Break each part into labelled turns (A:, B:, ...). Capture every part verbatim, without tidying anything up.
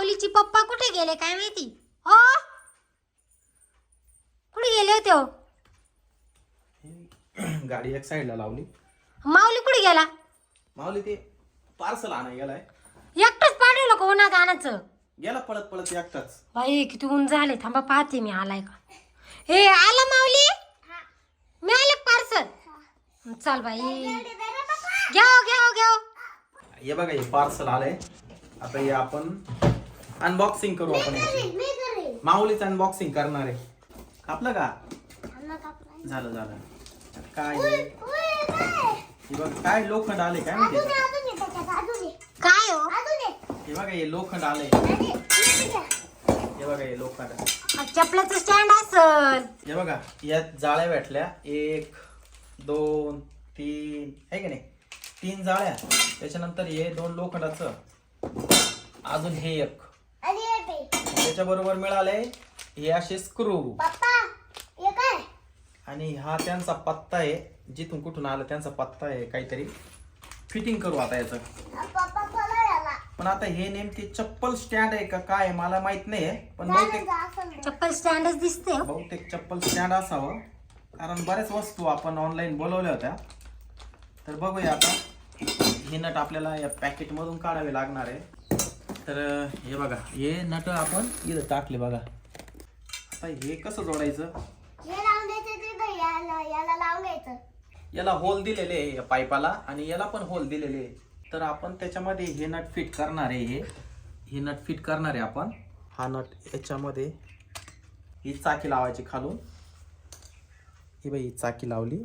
A: माऊलीची पप्पा कुठे गेले काय माहिती हो कुठे गेले होते हो
B: गाडी एक साईडला लावली.
A: माऊली कुठे गेला
B: माऊली ते पार्सल आणा गेलाय.
A: एकटाच पाठवलं का उन्हात आणायचं
B: गेला पळत पळत एकटाच.
A: बाई किती ऊन झाले थांबा पाहते मी आलाय का हे आला माऊली मी आले पार्सल चल बाई घ्या घ्या घ्या
B: हे बघा हे पार्सल आलंय. आता हे आपण अनबॉक्सिंग करू आपण याची. माऊलीच अनबॉक्सिंग करणार आहे. कापलं का झालं झालं काय हे बघ काय लोखंड आले काय माहिती
A: काय हो
B: हे बघा हे लोखंड आलंय. हे बघा हे लोखंड
A: चपलाचं स्टँड असल
B: हे बघा यात जाळ्या भेटल्या एक दोन तीन आहे की नाही तीन जाळ्या त्याच्यानंतर हे दोन लोखंडाचं अजून हे एक त्याच्या बरोबर मिळाले हे असे स्क्रू आणि हा त्यांचा पत्ता आहे जिथून कुठून आलं त्यांचा पत्ता आहे काहीतरी फिटिंग करू आता याचं. पण आता हे नेमके चप्पल स्टँड आहे का काय मला माहित नाहीये पण बहुतेक
A: चप्पल स्टँडच दिसते हो.
B: बहुतेक चप्पल स्टँड असावं कारण बऱ्याच वस्तू आपण ऑनलाईन बोलवल्या होत्या. तर बघूया आता हे नट आपल्याला या पॅकेट मधून काढावे लागणार आहे. तर हे बघा हे नट आपण इथं टाकले बघा. आता हे कसं जोडायचं याला होल दिलेले आहे या पाईपाला आणि याला पण होल दिलेले आहे. तर आपण त्याच्यामध्ये हे नट फिट करणार आहे. हे हे नट फिट करणार आहे आपण. हा नट याच्यामध्ये ही चाकी लावायची खालून. ही बाई चाकी लावली.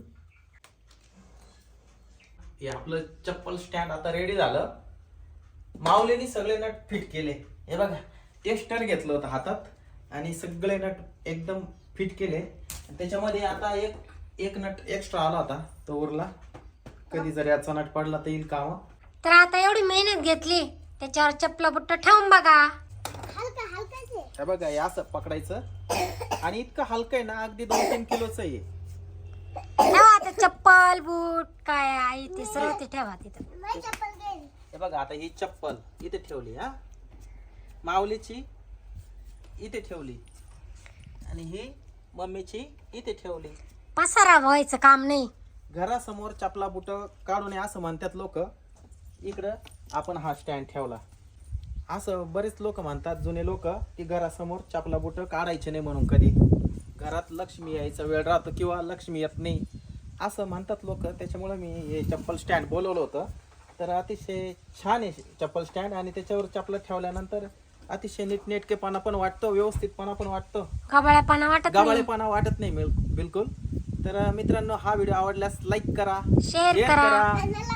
B: हे आपलं चप्पल स्टँड आता रेडी झालं. माऊलीने सगळे नट फिट केले. हे बघा टेस्टर घेतलं होतं हातात आणि सगळे नट एकदम फिट केले. त्याच्यामध्ये आता एक एक नट एक्स्ट्रा आला होता तो उरला. कधी जर याचा नट पडला तर येईल काम.
A: तर आता एवढी मेहनत घेतली त्याच्यावर चपला बुट्ट ठेवून बघा.
B: हे बघा हे असं पकडायचं आणि इतकं हलकं आहे ना अगदी दोन तीन किलोच आहे.
A: ठेवा आता चप्पल बूट काय आहे ते सर्व ते ठेवा तिथं.
B: हे बघा आता ही चप्पल इथे ठेवली हा माऊलीची इथे ठेवली आणि ही मम्मीची इथे ठेवली.
A: पसारा व्हायचं काम नाही.
B: घरासमोर चपला बुट काढू नये असं म्हणतात लोक. इकडं आपण हा स्टँड ठेवला असं बरेच लोक म्हणतात जुने लोक की घरासमोर चपला बुट काढायचे नाही म्हणून कधी घरात लक्ष्मी यायचा वेळ राहतो किंवा लक्ष्मी येत नाही असं म्हणतात लोक. त्याच्यामुळे मी हे चप्पल स्टँड बोलवलं होतं. तर अतिशय छान आहे चप्पल स्टँड आणि त्याच्यावर चपला ठेवल्यानंतर अतिशय नीटनेटकेपणा पण वाटतो व्यवस्थितपणा पण वाटतो.
A: गबाळेपणा वाटत नाही.
B: गबाळेपणा वाटत नाही बिलकुल. तर मित्रांनो हा व्हिडिओ आवडल्यास लाईक करा
A: शेअर करा.